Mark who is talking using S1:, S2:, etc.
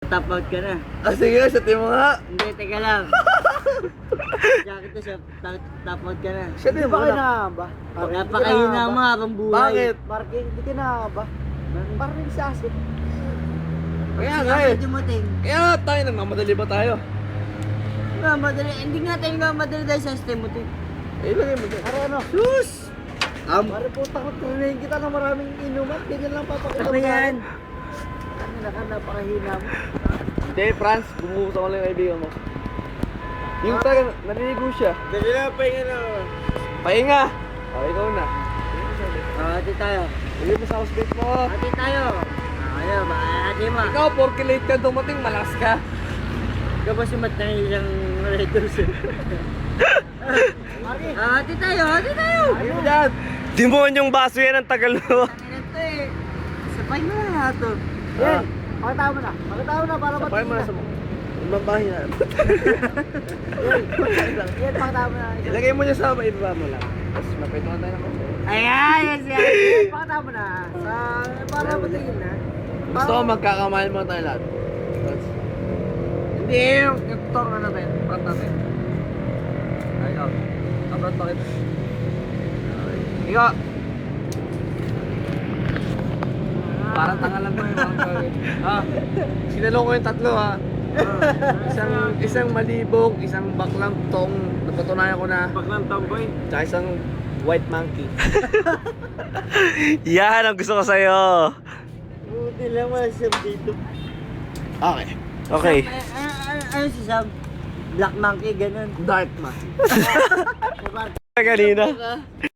S1: Top out ka na.
S2: Ah, sige, satin mo nga.
S1: Hindi, teka lang. Jacket to siya, top out ka na.
S2: Satin mo
S3: Ba kayo
S2: na.
S3: nakakaba?
S1: Napakahina mo habang buhay.
S2: Bakit?
S3: Marking, hindi ka nakakaba? Parang nagsasip.
S2: Kaya nga eh.
S1: Kasi dumating.
S2: Kaya nga tayo, nagmamadali ba tayo?
S1: Madali. Hindi nga tayo madali dahil sa Stemotic.
S2: Eh, ilagay mo dyan.
S3: Para ano?
S1: Sus!
S3: Pare po, takot trinayin kita ng maraming inuman. Ganyan lang papakita
S1: Ano yan?
S3: Kanina ka, napakahina mo.
S2: Hindi, Franz, bumuhos ako lang yung kaibigan mo. Yung talaga, naliligo siya.
S3: Dali na, pahinga na.
S2: Pahinga! O, ikaw na.
S1: Hati tayo.
S2: Bigay mo sa housebait mo.
S1: Hati tayo. Ayaw, hati mo.
S2: Ikaw, porky late ka dumating, malakas ka.
S1: Ikaw ba sumat na isang Raiders? Hati tayo, hati tayo.
S2: Bigay mo dyan.
S4: Demonyong baso yan ang tagal mo.
S1: Ano to eh. Sabay mo na lahat to.
S3: Yan, pakita mo na. Pakita mo na para
S2: Sapay mo na sa
S3: matingin
S2: ibang bahay na.
S3: Yan, pakita mo na.
S2: Ilagay mo niya sa ibaba mo lang. Tapos mapitungan tayo ng konti.
S1: Ayan, yan siya.
S3: Yan, pakita mo na. Para matingin na.
S2: Gusto ko magkakamahal mo tayo lahat. Hindi, yung toro na natin. Front natin. Ay, ikaw. Front bakit? Ikaw. Parang tangalan mo yung sinalong ko yung tatlo ha. Isang malibog, isang baklang tong. Napatunayan ko na.
S1: Baklang tomboy.
S2: Tsaka isang white monkey.
S4: Yan ang gusto ko sa'yo.
S1: Buti lang wala siyang dito.
S2: Okay.
S4: Okay.
S1: Ano si Sam? Black monkey, ganun.
S2: Dark man.
S4: Kanina.